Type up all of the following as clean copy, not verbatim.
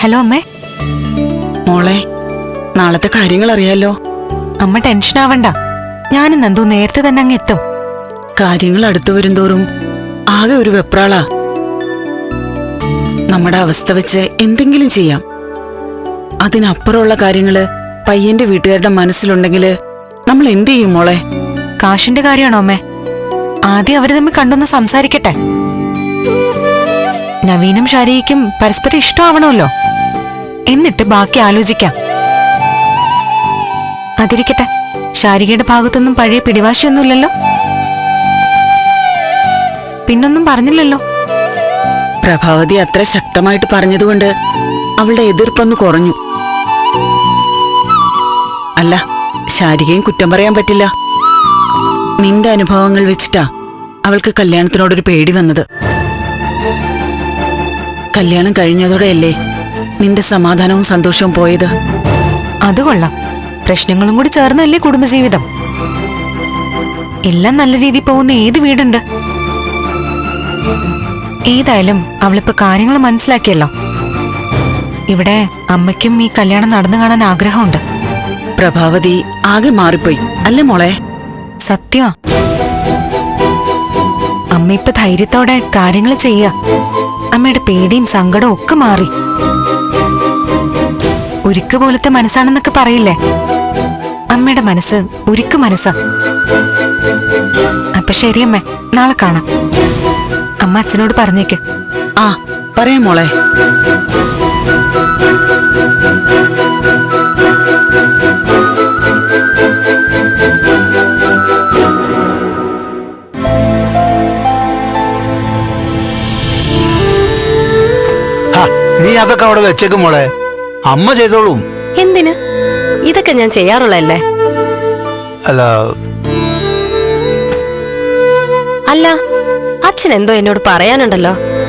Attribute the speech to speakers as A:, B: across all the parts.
A: Hello അമ്മേ.
B: മോളെ, നാളത്തെ കാര്യങ്ങൾ അറിയാലോ.
A: അമ്മ ടെൻഷൻ ആവണ്ട, ഞാനും നന്ദു നേരത്തെ തന്നെ അങ്ങ് എത്തും.
B: കാര്യങ്ങൾ അടുത്തു വരുംതോറും ആകെ ഒരു വെപ്രാളാ. നമ്മുടെ അവസ്ഥ വെച്ച് എന്തെങ്കിലും ചെയ്യാം. അതിനപ്പുറമുള്ള കാര്യങ്ങള് പയ്യന്റെ വീട്ടുകാരുടെ മനസ്സിലുണ്ടെങ്കില് നമ്മൾ എന്ത് ചെയ്യും മോളെ?
A: കാശിന്റെ കാര്യമാണോ അമ്മേ? ആദ്യം അവര് തമ്മിൽ കണ്ടൊന്ന് സംസാരിക്കട്ടെ. നവീനും ഷാരിക്കും പരസ്പരം ഇഷ്ടമാവണമല്ലോ. എന്നിട്ട് ബാക്കി ആലോചിക്കാം. അതിരിക്കട്ടെ, ഷാരികയുടെ ഭാഗത്തൊന്നും പഴയ പിടിവാശിയൊന്നുമില്ലല്ലോ. പിന്നൊന്നും പറഞ്ഞില്ലല്ലോ.
B: പ്രഭാവതി അത്ര ശക്തമായിട്ട് പറഞ്ഞതുകൊണ്ട് അവളുടെ എതിർപ്പൊന്ന് കുറഞ്ഞു. അല്ല, ഷാരികയും കുറ്റം പറയാൻ പറ്റില്ല. നിന്റെ അനുഭവങ്ങൾ വെച്ചിട്ടാ അവൾക്ക് കല്യാണത്തിനോടൊരു പേടി വന്നത്. കല്യാണം കഴിഞ്ഞതോടെയല്ലേ നിന്റെ സമാധാനവും സന്തോഷവും പോയത്.
A: അത് കൊള്ളാം. പ്രശ്നങ്ങളും കൂടി ചേർന്നല്ലേ കുടുംബജീവിതം. എല്ലാം നല്ല രീതിയിൽ പോകുന്ന ഏത് വീടുണ്ട്? ഏതായാലും അവളിപ്പോ കാര്യങ്ങൾ മനസ്സിലാക്കിയല്ലോ. ഇവിടെ അമ്മയ്ക്കും ഈ കല്യാണം നടന്നു കാണാൻ ആഗ്രഹമുണ്ട്.
B: പ്രഭാവതി ആകെ മാറിപ്പോയി അല്ലേ മോളെ?
A: സത്യം. അമ്മ ഇപ്പൊ ധൈര്യത്തോടെ കാര്യങ്ങൾ ചെയ്യ. അമ്മയുടെ പേടിയും സങ്കടവും ഒക്കെ മാറി. ഉരുക്ക് പോലത്തെ മനസ്സാണെന്നൊക്കെ പറയില്ലേ, അമ്മയുടെ മനസ്സ് ഉരുക്ക് മനസ്സാ. അപ്പൊ ശരിയമ്മേ, നാളെ കാണാം. അമ്മ അച്ഛനോട് പറഞ്ഞേക്ക്.
B: ആ, പറയാം മോളെ.
C: നീ അതൊക്കെ അവിടെ വെച്ചേക്കും മോളെ, അമ്മ ചെയ്തോളും.
D: എന്തിന്? ഇതൊക്കെ ഞാൻ ചെയ്യാറുള്ളല്ലേ. അല്ല, അച്ഛൻ എന്തോ എന്നോട് പറയാനുണ്ടല്ലോ.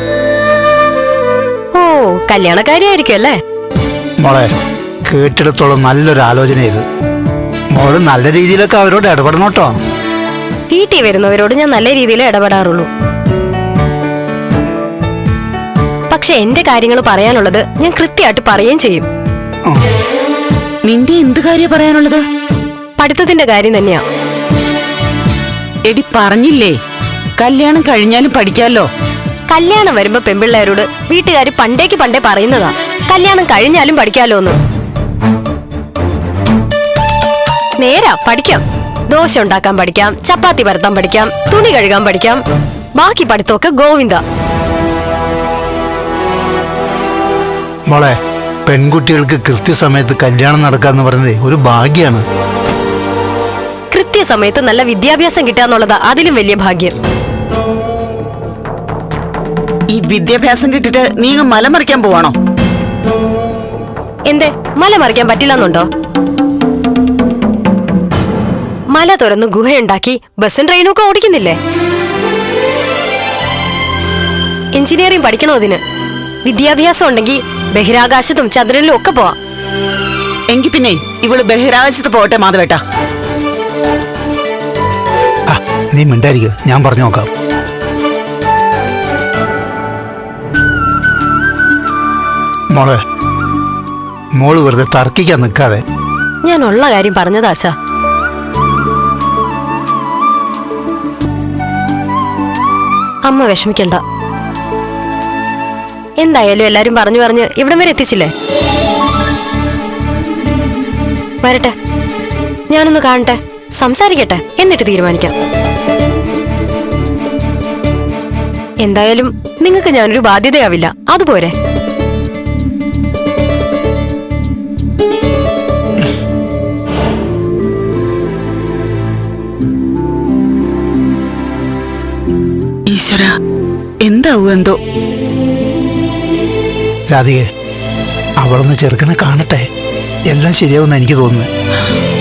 D: ഓ, കല്യാണക്കാരിയായിരിക്കും അല്ലേ?
C: മോളെ, കേട്ടിടത്തോളം നല്ലൊരു ആലോചന ഇത്. മോള് നല്ല രീതിയിലൊക്കെ അവരോട് ഇടപെടണം കേട്ടോ.
D: വീട്ടിൽ വരുന്നവരോട് ഞാൻ നല്ല രീതിയിൽ ഇടപെടാറുള്ളൂ. പക്ഷെ എന്റെ കാര്യങ്ങൾ പറയാനുള്ളത് ഞാൻ കൃത്യമായിട്ട് പറയുകയും ചെയ്യും.
B: നിന്റെ എന്ത് കാര്യം പറയാനുള്ളത്?
D: പഠിത്തത്തിന്റെ കാര്യം തന്നെയാ.
B: എടി പറഞ്ഞില്ലേ, കല്യാണം കഴിഞ്ഞാലും പഠിക്കാലോ.
D: കല്യാണം വരുമ്പോ പെൺപിള്ളേരോട് വീട്ടുകാര് പണ്ടേ പറയുന്നതാ കല്യാണം കഴിഞ്ഞാലും പഠിക്കാലോന്ന്. നേരാ, പഠിക്കാം. ദോശ ഉണ്ടാക്കാൻ പഠിക്കാം, ചപ്പാത്തി പരത്താൻ പഠിക്കാം, തുണി കഴുകാൻ പഠിക്കാം. ബാക്കി പഠിത്തമൊക്കെ ഗോവിന്ദ.
C: മോളെ, പെൺകുട്ടികൾക്ക് കൃത്യസമയത്ത് കല്യാണം നടക്കാന്ന് പറയുന്നത് ഒരു ഭാഗ്യാണ്.
D: കൃത്യസമയത്ത് നല്ല വിദ്യാഭ്യാസം കിട്ടാന്നുള്ളതാ അതിലും വലിയ ഭാഗ്യം.
B: ഈ വിദ്യാഭ്യാസം കിട്ടിട്ട് നീ മല മറിക്കാൻ പോവാണോ?
D: എന്തേ, മല മറിക്കാൻ പറ്റില്ലെന്നുണ്ടോ? മല തുറന്ന് ഗുഹയുണ്ടാക്കി ബസ്സും ട്രെയിനും ഒക്കെ ഓടിക്കുന്നില്ലേ? എഞ്ചിനീയറിംഗ് പഠിക്കണോ അതിന്? വിദ്യാഭ്യാസം ഉണ്ടെങ്കിൽ ബഹിരാകാശത്തും ചന്ദ്രനിലും ഒക്കെ പോവാം.
B: എങ്കി പിന്നെ ഇവള് ബഹിരാകാശത്ത് പോട്ടെ മാധവേട്ടാ.
C: നീ മിണ്ടായിരിക്കും, ഞാൻ പറഞ്ഞു നോക്കാം. മോളെ, മോള് വെറുതെ തർക്കിക്കാൻ നിൽക്കാതെ.
D: ഞാൻ ഉള്ള കാര്യം പറഞ്ഞതാശാ. അമ്മ വിഷമിക്കണ്ട. എന്തായാലും എല്ലാരും പറഞ്ഞു ഇവിടം വരെ എത്തിച്ചില്ലേ. വരട്ടെ, ഞാനൊന്ന് കാണട്ടെ, സംസാരിക്കട്ടെ, എന്നിട്ട് തീരുമാനിക്കാം. എന്തായാലും നിങ്ങൾക്ക് ഞാനൊരു ബാധ്യതയാവില്ല, അതുപോരെ?
B: ഈശ്വര, എന്താവൂ എന്തോ.
C: രാധികെ, അവളൊന്ന് ചെറുക്കനെ കാണട്ടെ, എല്ലാം ശരിയാവുന്ന എനിക്ക് തോന്നുന്നു.